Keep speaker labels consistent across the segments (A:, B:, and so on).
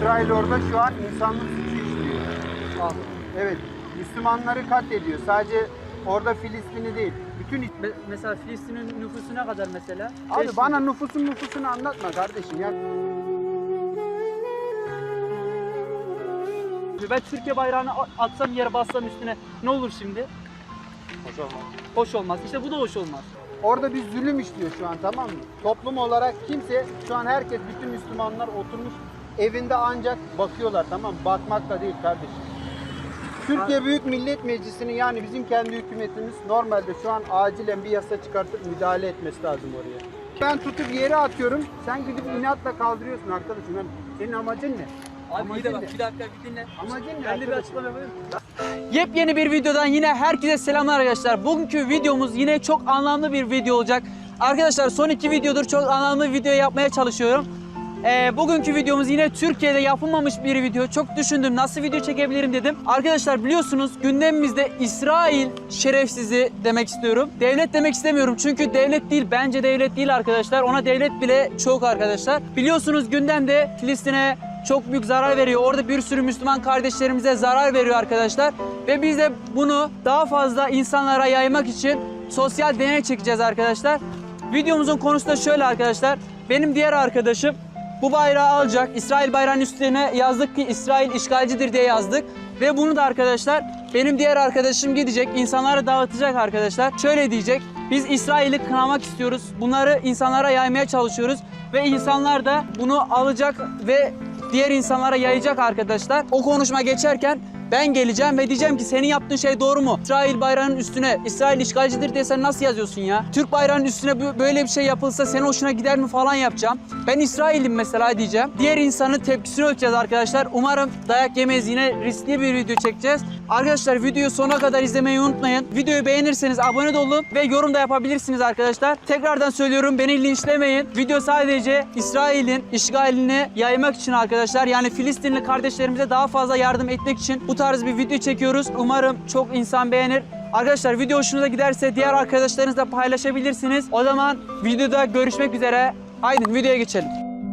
A: İsrail orada şu an insanlık suçu işliyor. Evet, Müslümanları katlediyor. Sadece orada Filistin'i değil. Bütün
B: Mesela Filistin'in nüfusu ne kadar mesela?
A: Abi bana nüfusunu anlatma kardeşim ya.
B: Ben Türkiye bayrağını atsam yere bassam üstüne ne olur şimdi?
C: Hoş olmaz.
B: Hoş olmaz. İşte bu da hoş olmaz.
A: Orada bir zulüm işliyor şu an, tamam mı? Toplum olarak kimse, şu an herkes, bütün Müslümanlar oturmuş evinde ancak bakıyorlar, tamam mı? Bakmak da değil kardeşim. Türkiye Büyük Millet Meclisi'nin, yani bizim kendi hükümetimiz normalde şu an acilen bir yasa çıkartıp müdahale etmesi lazım oraya. Ben tutup yere atıyorum, sen gidip inatla kaldırıyorsun arkadaşım. Yani senin amacın ne?
B: Abi iyi de bak, bir dakika bir dinle.
A: Amacın ne?
B: Ben de bir açıklama yapayım. Yepyeni bir videodan yine herkese selamlar arkadaşlar. Bugünkü videomuz yine çok anlamlı bir video olacak. Arkadaşlar son 2 videodur çok anlamlı video yapmaya çalışıyorum. Bugünkü videomuz yine Türkiye'de yapılmamış bir video. Çok düşündüm, nasıl video çekebilirim dedim. Arkadaşlar biliyorsunuz gündemimizde İsrail şerefsizi demek istiyorum. Devlet demek istemiyorum çünkü devlet değil, bence devlet değil arkadaşlar. Ona devlet bile çok arkadaşlar. Biliyorsunuz gündemde Filistin'e çok büyük zarar veriyor. Orada bir sürü Müslüman kardeşlerimize zarar veriyor arkadaşlar. Ve biz de bunu daha fazla insanlara yaymak için sosyal deney çekeceğiz arkadaşlar. Videomuzun konusu da şöyle arkadaşlar. Benim diğer arkadaşım bu bayrağı alacak. İsrail bayrağının üstüne yazdık ki İsrail işgalcidir diye yazdık. Ve bunu da arkadaşlar benim diğer arkadaşım gidecek, insanlara dağıtacak arkadaşlar. Şöyle diyecek: biz İsrail'i kınamak istiyoruz. Bunları insanlara yaymaya çalışıyoruz. Ve insanlar da bunu alacak ve diğer insanlara yayacak arkadaşlar. O konuşma geçerken ben geleceğim ve diyeceğim ki senin yaptığın şey doğru mu? İsrail bayrağının üstüne İsrail işgalcidir diye sen nasıl yazıyorsun ya? Türk bayrağının üstüne böyle bir şey yapılsa senin hoşuna gider mi falan yapacağım. Ben İsrail'im mesela diyeceğim. Diğer insanın tepkisini ölçeceğiz arkadaşlar. Umarım dayak yemeyiz, yine riskli bir video çekeceğiz. Arkadaşlar videoyu sonuna kadar izlemeyi unutmayın. Videoyu beğenirseniz abone de olun ve yorum da yapabilirsiniz arkadaşlar. Tekrardan söylüyorum, beni linçlemeyin. Video sadece İsrail'in işgalini yaymak için arkadaşlar. Yani Filistinli kardeşlerimize daha fazla yardım etmek için bu tarz bir video çekiyoruz. Umarım çok insan beğenir. Arkadaşlar video hoşunuza giderse diğer arkadaşlarınızla paylaşabilirsiniz. O zaman videoda görüşmek üzere. Haydi videoya geçelim.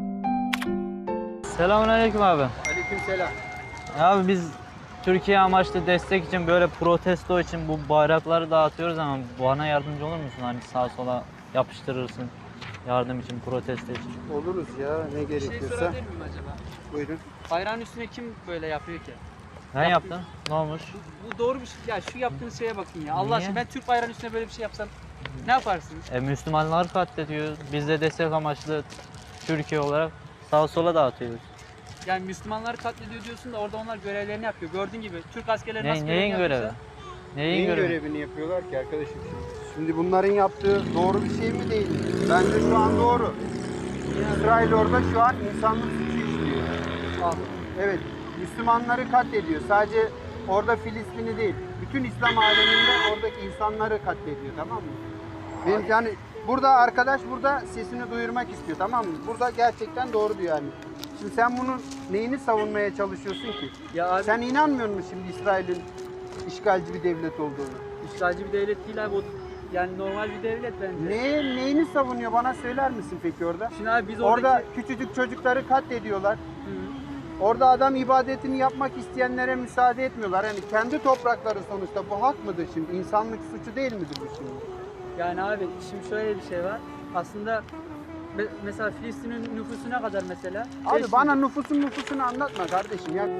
D: Selamünaleyküm abi.
A: Aleykümselam.
D: Abi biz Türkiye amaçlı destek için böyle protesto için bu bayrakları dağıtıyoruz ama bana yardımcı olur musun? Hani sağa sola yapıştırırsın yardım için, protesto için.
A: Oluruz ya, ne
B: Bir şey
A: gerekiyorsa.
B: sorabilir miyim acaba?
A: Buyurun.
B: Bayrağın üstüne kim böyle yapıyor ki?
D: Ben yaptım. Ne olmuş?
B: Bu doğru bir şey. Ya şu yaptığınız şeye bakın ya. Allah
D: Niye?
B: aşkına, ben Türk bayrağının üstüne böyle bir şey yapsam ne yaparsınız?
D: Müslümanlar katlediyor. Biz de destek amaçlı Türkiye olarak sağa sola dağıtıyoruz.
B: Yani Müslümanları katlediyor diyorsun da orada onlar görevlerini yapıyor. Gördüğün gibi Türk askerleri nasıl
D: Neyin
B: görevini
D: görevi?
B: yapıyorsa.
D: Neyin görevi?
A: görevini yapıyorlar ki arkadaşım şimdi? Şimdi bunların yaptığı doğru bir şey mi değil mi? Bence şu an doğru. İsrail orada şu an insanlık suçu işliyor. Evet, Müslümanları katlediyor. Sadece orada Filistin'i değil, bütün İslam aleminde oradaki insanları katlediyor, tamam mı? Benim yani burada arkadaş sesini duyurmak istiyor, tamam mı? Burada gerçekten doğru diyor yani. Şimdi sen bunun neyini savunmaya çalışıyorsun ki?
B: Ya abi,
A: Sen inanmıyor musun şimdi İsrail'in işgalci bir devlet olduğunu?
B: işgalci bir devlet değil abi. O, yani normal bir devlet bence.
A: Neyini savunuyor, bana söyler misin peki orada?
B: Şimdi abi biz
A: Orada küçücük çocukları katlediyorlar. Orada adam ibadetini yapmak isteyenlere müsaade etmiyorlar. Yani kendi toprakları sonuçta, bu hak mıdır şimdi? İnsanlık suçu değil midir bu şimdi?
B: Yani abi şimdi şöyle bir şey var. Aslında mesela Filistin'in nüfusu ne kadar mesela?
A: Abi
B: 5
A: bana
B: milyon.
A: nüfusunu anlatma kardeşim ya.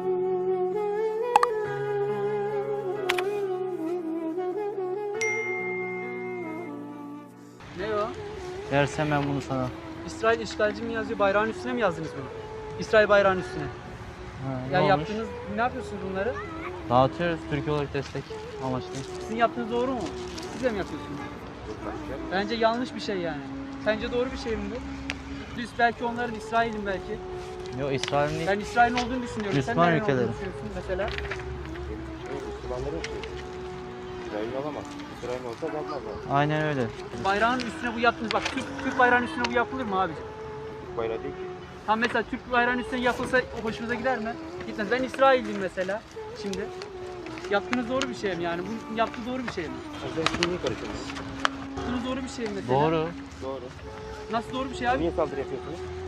B: Ne o?
D: Versem ben bunu sana.
B: İsrail işgalci mi yazıyor? Bayrağın üstüne mi yazdınız bunu? İsrail bayrağının üstüne.
D: Ne
B: Yani
D: olmuş?
B: yaptığınız, ne yapıyorsunuz bunları?
D: Dağıtıyoruz Türkiye olarak destek amaçlı.
B: Sizin yaptığınız doğru mu? Siz de mi yapıyorsunuz? Bence yanlış bir şey yani. Sence doğru bir şey mi bu? Biz belki onların İsrail'in belki.
D: Yok İsrail'in değil.
B: Ben İsrail'in olduğunu düşünüyorum.
D: Müslüman
B: Sen nereden
D: ülkeleri.
B: olduğunu düşünüyorsun mesela?
C: Müslümanların şeyi. İsrail alamaz. İsrail olsa kalmazlar.
D: Aynen öyle.
B: Bayrağın üstüne bu yaptınız. Bak Türk bayrağının üstüne bu yapılır mı abi?
C: Türk bayrağı değil ki.
B: Tam mesela Türk bayrağının üstüne yapılsa hoşunuza gider mi? Gitmez. Ben İsrailliyim mesela şimdi. Yaptığınız doğru bir şey mi yani? Bu yaptığı doğru bir şey mi?
C: Sen şimdi niye karışıyorsun?
B: Yaptığınız doğru bir şey mi mesela?
D: Doğru.
C: Doğru.
B: Nasıl doğru bir şey abi?
C: Niye saldırı yapıyorsunuz?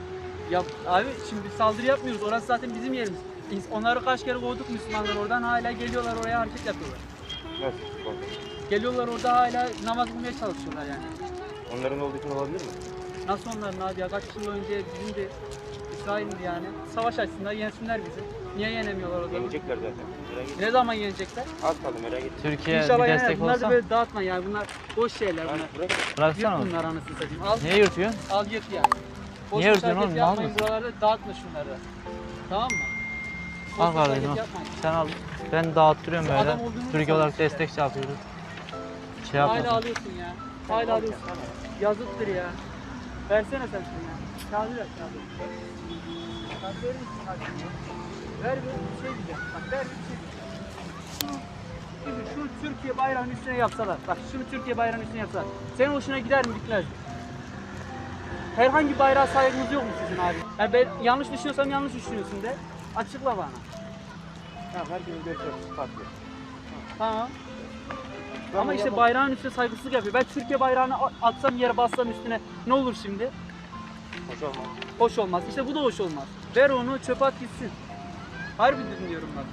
B: Ya abi şimdi saldırı yapmıyoruz. Orası zaten bizim yerimiz. Onları kaç kere kovduk Müslümanlar oradan hala geliyorlar oraya hareket yapıyorlar.
C: Nasıl?
B: Geliyorlar orada hala namaz kılmaya çalışıyorlar yani.
C: Onların olduğu için olabilir mi?
B: Nasıl onların abi ya? Kaç yıl önce bizim de İsrail'di yani. Savaş açısından yensinler bizi. Niye yenemiyorlar o zaman?
C: Yenecekler zaten. Merak etme.
B: Ne zaman yenecekler?
C: Az kaldı merak etme.
D: Türkiye
B: İnşallah
D: bir
B: yener.
D: destek
B: Bunlar da
D: olsa
B: böyle dağıtma yani. Bunlar boş şeyler bunlar.
C: Bırak.
D: bıraksana
B: Yırt
D: oğlum.
B: bunlar anasını satayım. Al,
D: Niye yırtıyorsun?
B: al yırt yani. Boş
D: Niye
B: boş
D: yırtıyorsun
B: hareket
D: oğlum? Ne
B: yapmayın
D: yapıyorsun?
B: buralarda. Dağıtma şunları da. Tamam mı? Boş
D: Al
B: boş
D: kardeşim
B: hareket
D: al.
B: yapmayın.
D: Sen al. Ben dağıttırıyorum
B: Şu
D: böyle.
B: adam olduğunu
D: Türkiye olarak
B: sanıyorsun.
D: destek şey yapıyoruz. Şey
B: Hala
D: yapmasın.
B: alıyorsun ya. Hala alıyorsun. Yazıktır ya. Versene sen şunu ya. Kağıdı ver kağıdı. Kağıdı verir misin kardeşim? Ver bir şey diyeceğim. Bak ver bir şey diyeceğim. Şunu Türkiye bayrağının üstüne yapsalar. Bak şunu Türkiye bayrağının üstüne yapsalar. Senin hoşuna gider mi gitmez mi? Herhangi bayrağa saygınız yok mu sizin abi? Yani ben yanlış düşünüyorsam yanlış düşünüyorsun de. Açıkla bana.
C: Tamam herkesin görüş açısı farklı.
B: Tamam. Ama işte bayrağın üstüne saygısızlık yapıyor. Ben Türkiye bayrağını atsam yere bassam üstüne ne olur şimdi?
C: Hoş olmaz.
B: Hoş olmaz. İşte bu da hoş olmaz. Ver onu çöpe at gitsin. Harbi diyorum bak.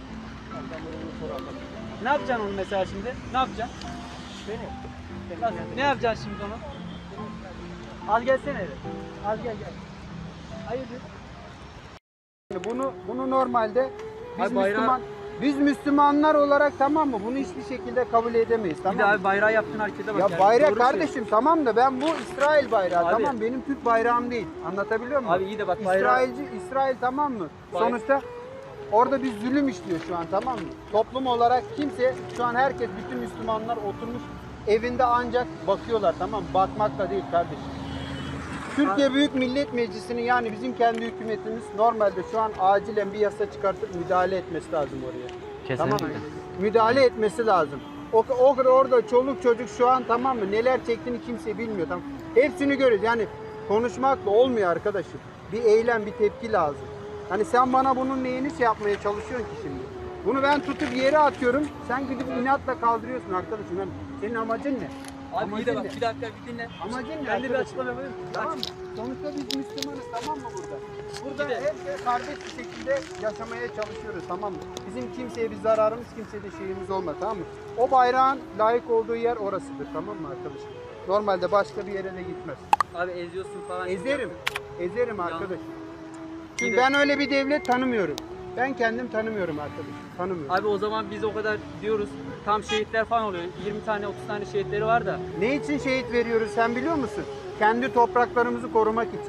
B: Ne yapacaksın onu mesela şimdi? Ne yapacaksın? Nasıl? Ne yapacaksın şimdi onu? Al gelsene eve. Al gel. Hayırdır?
A: Bunu normalde
B: Abi bayrağı-
A: biz Müslümanlar olarak tamam mı? Bunu hiçbir şekilde kabul edemeyiz.
B: Bir
A: Tamam
B: de
A: mı?
B: abi bayrağı yaptığın harekete bak.
A: Ya
B: yani.
A: bayrak
B: Doğru
A: kardeşim tamam da ben bu İsrail bayrağı
B: Abi-
A: tamam benim Türk bayrağım değil. Anlatabiliyor muyum?
B: Abi iyi de bak bayrağı...
A: İsrail tamam mı?
B: Bay-
A: Sonuçta orada bir zulüm işliyor şu an tamam mı? Toplum olarak kimse şu an herkes bütün Müslümanlar oturmuş evinde ancak bakıyorlar tamam mı? Bakmak da değil kardeşim. Türkiye Büyük Millet Meclisi'nin yani bizim kendi hükümetimiz normalde şu an acilen bir yasa çıkartıp müdahale etmesi lazım oraya.
D: Kesinlikle.
A: Tamam mı? Müdahale etmesi lazım. Orada çoluk çocuk şu an tamam mı? Neler çektiğini kimse bilmiyor. Tamam. Hepsini görüyoruz. Yani konuşmakla olmuyor arkadaşım. Bir eylem, bir tepki lazım. Hani sen bana bunun neyini şey yapmaya çalışıyorsun ki şimdi? Bunu ben tutup yere atıyorum. Sen gidip inatla kaldırıyorsun arkadaşım. Yani senin amacın ne?
B: Abi iyi de bak
A: Amacın ne?
B: bir dakika bir dinle.
A: Amacın ne?
B: Ben de bir
A: arkadaşım?
B: açıklama yapayım.
A: Tamam mı? Sonuçta biz Müslümanız tamam mı burada? Burada
B: Bir de-
A: hep kardeş bir şekilde yaşamaya çalışıyoruz tamam mı? Bizim kimseye bir zararımız, kimseye de şeyimiz olmaz tamam mı? O bayrağın layık olduğu yer orasıdır tamam mı arkadaşım? Normalde başka bir yere de gitmez.
B: Abi eziyorsun falan.
A: Ezerim. Ezerim arkadaşım.
B: Bir
A: Çünkü
B: de-
A: ben öyle bir devlet tanımıyorum. Ben kendim tanımıyorum arkadaşım. Tanımıyorum.
B: Abi o zaman biz o kadar diyoruz. Tam şehitler falan oluyor. 20 tane 30 tane şehitleri var da.
A: Ne için şehit veriyoruz sen biliyor musun? Kendi topraklarımızı korumak için.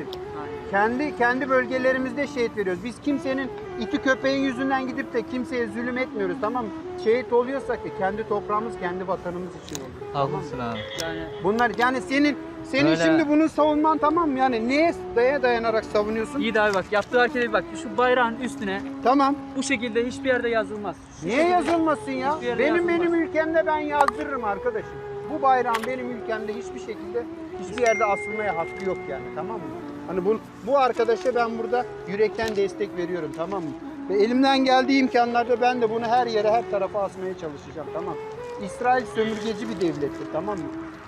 A: Kendi bölgelerimizde şehit veriyoruz. Biz kimsenin iti köpeğin yüzünden gidip de kimseye zulüm etmiyoruz tamam mı? Şehit oluyorsak da kendi toprağımız, kendi vatanımız için oluyor.
D: Haklısın abi.
B: Yani
A: Bunlar yani senin
D: Öyle.
A: şimdi bunu savunman tamam mı? Yani neye dayanarak savunuyorsun?
B: iyi de abi bak yaptığı harekete bir bak. Şu bayrağın üstüne
A: Tamam.
B: bu şekilde hiçbir yerde yazılmaz. Şu
A: Niye
B: şekilde-
A: yazılmasın ya?
B: Hiçbir yerde
A: Benim
B: yazılmaz.
A: ülkemde ben yazdırırım arkadaşım. Bu bayrağın benim ülkemde hiçbir şekilde hiçbir yerde asılmaya hakkı yok yani tamam mı? Hani bu arkadaşa ben burada yürekten destek veriyorum tamam mı? Ve elimden geldiği imkanlarda ben de bunu her yere her tarafa asmaya çalışacağım tamam mı? İsrail sömürgeci bir devlettir tamam mı?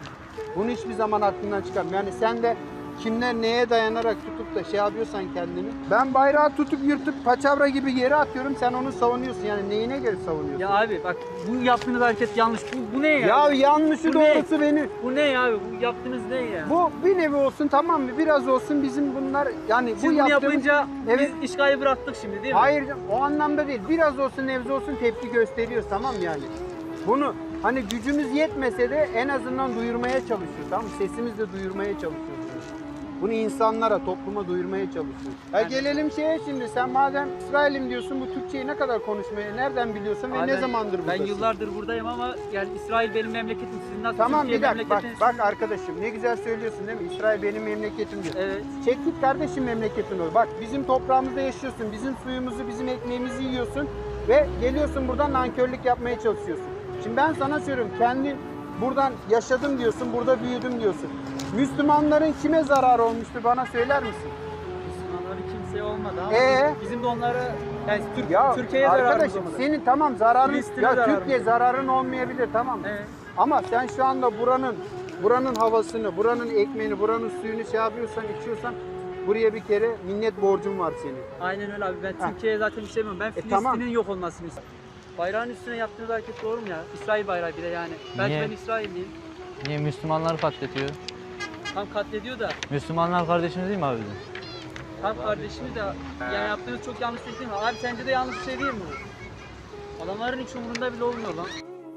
A: Bunu hiçbir zaman aklından çıkarma. Yani sen de kimler neye dayanarak tutup da şey yapıyorsan kendini. Ben bayrağı tutup yırtıp paçavra gibi yere atıyorum. Sen onu savunuyorsun. Yani neyine göre savunuyorsun?
B: Ya abi bak bu yaptığınız hareket yanlış. Bu ne ya?
A: Ya yanlışı
B: Bu ne?
A: doğrusu beni.
B: Bu ne ya abi? Bu yaptığınız ne ya?
A: Bu bir nevi olsun tamam mı? Biraz olsun bizim bunlar yani
B: Siz
A: bu
B: bunu
A: yaptığımız...
B: yapınca
A: Evet.
B: biz işgali bıraktık şimdi değil mi?
A: Hayır o anlamda değil. Biraz olsun nebze olsun tepki gösteriyoruz tamam mı yani? Bunu hani gücümüz yetmese de en azından duyurmaya çalışıyoruz tamam mı? Sesimizle duyurmaya çalışıyoruz. Bunu insanlara, topluma duyurmaya çalışıyoruz. Ya gelelim şeye şimdi sen madem İsrail'im diyorsun bu Türkçeyi ne kadar konuşmayı nereden biliyorsun ve
B: Abi
A: ne
B: ben-
A: zamandır buradasın?
B: Ben yıllardır buradayım ama yani İsrail benim memleketim. Sizin nasıl
A: Tamam
B: Türkiye
A: bir dakika bak,
B: memleketiniz?
A: bak arkadaşım ne güzel söylüyorsun değil mi? İsrail benim memleketim diyor.
B: Evet.
A: Çek git kardeşim memleketin ol. Bak bizim toprağımızda yaşıyorsun, bizim suyumuzu, bizim ekmeğimizi yiyorsun ve geliyorsun buradan nankörlük yapmaya çalışıyorsun. Şimdi ben sana söylüyorum kendi buradan yaşadım diyorsun, burada büyüdüm diyorsun. Müslümanların kime zararı olmuştur bana söyler misin?
B: Müslümanları kimseye olmadı ama bizim de onlara yani
A: Ya
B: Türkiye'ye zararımız
A: arkadaşım
B: olmadı.
A: senin tamam zararın
B: Filistin'e
A: ya
B: zararımız
A: Türkiye
B: olmadı.
A: zararın olmayabilir tamam mı?
B: Evet.
A: Ama sen şu anda buranın havasını, buranın ekmeğini, buranın suyunu şey yapıyorsan, içiyorsan Buraya bir kere minnet borcum var senin.
B: Aynen öyle abi. Ben
A: Ha.
B: Türkiye'ye zaten istemiyorum. Ben Filistin'in
A: tamam.
B: yok olmasını istiyorum. Bayrağın üstüne yaptığınız hareket doğru mu ya? İsrail bayrağı bir de yani. Belki
D: Niye?
B: ben İsrailliyim.
D: Niye Müslümanları katlediyor?
B: Tam katlediyor da.
D: Müslümanlar kardeşimiz değil mi abi bizim?
B: Tam kardeşimi de yani yaptığınız çok yanlış bir şey değil mi? Abi sence de yanlış bir şey değil mi bu? Adamların hiç umurunda bile olmuyor lan.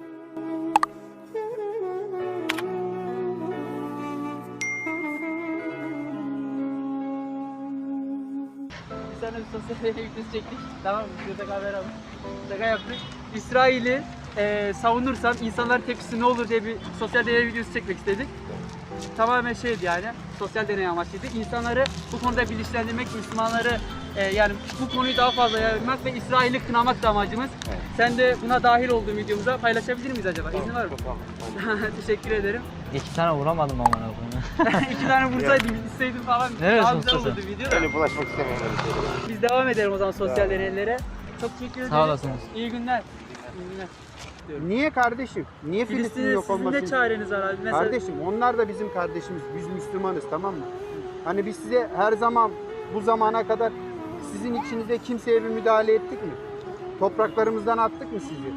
B: Bir tane bir sosyal medya videosu çektik. Tamam mı? Şurada kamera var. Şaka yaptık. İsrail'i savunursam insanların tepkisi ne olur diye bir sosyal deney videosu çekmek istedik. Tamamen şeydi yani, sosyal deney amaçlıydı. İnsanları bu konuda bilinçlendirmek, Müslümanları yani bu konuyu daha fazla yaymak ve İsrail'i kınamak da amacımız. Sen de buna dahil olduğun videomuza paylaşabilir miyiz acaba? İzin var mı? Teşekkür ederim.
D: 2 tane vuramadım amına koyayım.
B: 2 tane vursaydım, isteydim falan
D: Neresi
B: daha güzel
D: usta
B: olurdu video da.
C: Öyle bulaşmak istemiyorum öyle şeylere.
B: Biz devam edelim o zaman sosyal deneylere. Çok teşekkür ederim.
D: Sağ olasınız.
B: İyi günler. İyi günler.
A: Niye kardeşim? Niye Filistin
B: Filistin'in
A: yok
B: sizin
A: olmasın?
B: ne çareniz var abi? Mesela
A: Kardeşim onlar da bizim kardeşimiz. Biz Müslümanız, tamam mı? Hani biz size her zaman bu zamana kadar sizin içinize kimseye bir müdahale ettik mi? Topraklarımızdan attık mı sizi?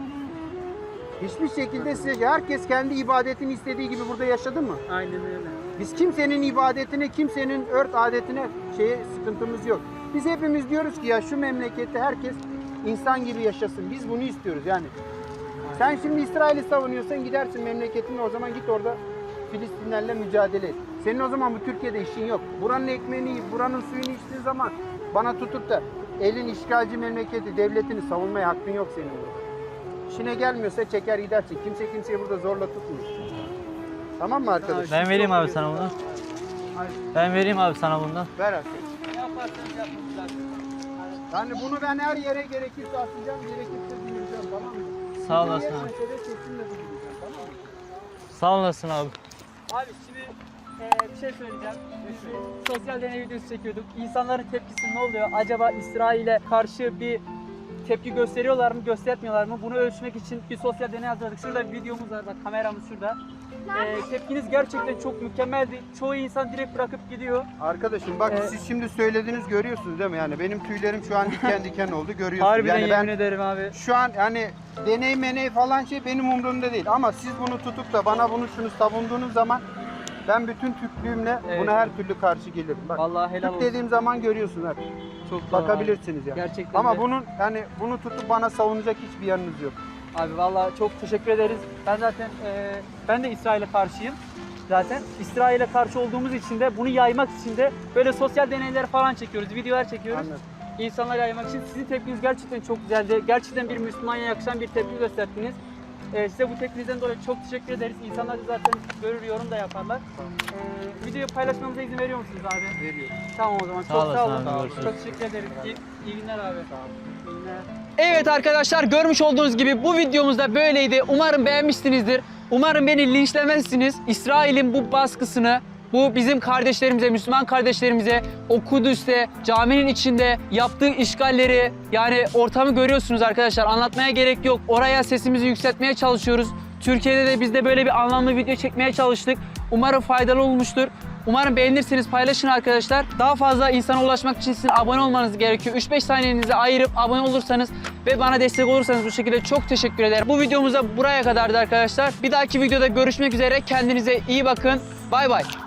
A: Hiçbir şekilde size herkes kendi ibadetini istediği gibi burada yaşadı mı?
B: aynen öyle.
A: Biz kimsenin ibadetine, kimsenin örf adetine sıkıntımız yok. Biz hepimiz diyoruz ki ya şu memlekette herkes insan gibi yaşasın. Biz bunu istiyoruz yani. Sen şimdi İsrail'i savunuyorsan gidersin memleketine, o zaman git orada Filistinlerle mücadele et. Senin o zaman bu Türkiye'de işin yok. Buranın ekmeğini yiyip, buranın suyunu içtiğin zaman bana tutup da elin işgalci memleketi, devletini savunmaya hakkın yok senin burada. İşine gelmiyorsa çeker gidersin. Kimse kimseyi burada zorla tutmuyor. Tamam mı arkadaş?
D: Ben vereyim abi sana bunu. Ben vereyim abi sana bundan.
A: Ver arkadaş.
B: Ne yaparsanız yapın zaten.
A: Yani bunu ben her yere gerekirse atacağım, gerekirse dinleyeceğim, tamam mı?
D: Sağ olasın
A: Her
D: abi.
A: meselede kesinlikle dinleyeceğim, tamam mı?
D: Sağ olasın abi.
B: Abi şimdi bir şey söyleyeceğim. Sosyal deney videosu çekiyorduk. İnsanların tepkisi ne oluyor? Acaba İsrail'e karşı bir tepki gösteriyorlar mı, göstermiyorlar mı? Bunu ölçmek için bir sosyal deney hazırladık. Şurada bir videomuz var, bak kameramız şurada. Tepkiniz gerçekten çok mükemmeldi. Çoğu insan direkt bırakıp gidiyor.
A: Arkadaşım bak siz şimdi söylediniz, görüyorsunuz değil mi? Yani benim tüylerim şu an diken diken oldu, görüyorsunuz.
B: Harbiden
A: yani
B: yemin ederim abi.
A: şu an yani deney meney falan şey benim umurumda değil. Ama siz bunu tutup da bana şunu savunduğunuz zaman ben bütün Türklüğümle
B: Evet.
A: buna her türlü karşı gelirim. Bak,
B: Vallahi helal
A: Türk
B: olsun.
A: dediğim zaman görüyorsunuz hep.
B: Çok doğru
A: Bakabilirsiniz yani.
B: Gerçekten
A: Ama
B: de.
A: bunu tutup bana savunacak hiçbir yanınız yok.
B: Abi vallahi çok teşekkür ederiz. Ben zaten ben de İsrail'e karşıyım. Zaten İsrail'e karşı olduğumuz için de bunu yaymak için de böyle sosyal deneyler falan çekiyoruz, videolar çekiyoruz.
A: Anladım.
B: İnsanlara yaymak için. Sizin tepkiniz gerçekten çok güzeldi. Gerçekten bir Müslümana yakışan bir tepki gösterdiniz. Size bu tepkinizden dolayı çok teşekkür ederiz. İnsanlar da zaten görür, yorum da yaparlar. Videoyu paylaşmamıza izin veriyor musunuz abi?
A: Veriyorum.
B: Tamam o zaman.
D: Sağ
B: Çok
D: olasın
B: sağ olun.
D: abi, görüşürüz.
B: Çok teşekkür ederiz. İyi günler abi. İyi günler. Evet arkadaşlar, görmüş olduğunuz gibi bu videomuz da böyleydi. Umarım beğenmişsinizdir. Umarım beni linçlemezsiniz. İsrail'in bu baskısını, bu bizim kardeşlerimize, Müslüman kardeşlerimize o Kudüs'te, caminin içinde yaptığı işgalleri, yani ortamı görüyorsunuz arkadaşlar. Anlatmaya gerek yok. Oraya sesimizi yükseltmeye çalışıyoruz. Türkiye'de de biz de böyle bir anlamlı video çekmeye çalıştık. Umarım faydalı olmuştur. Umarım beğenirsiniz, paylaşın arkadaşlar. Daha fazla insana ulaşmak için sizin abone olmanız gerekiyor. 3-5 saniyenizi ayırıp abone olursanız ve bana destek olursanız bu şekilde çok teşekkür ederim. Bu videomuz da buraya kadardı arkadaşlar. Bir dahaki videoda görüşmek üzere. Kendinize iyi bakın. Bay bay.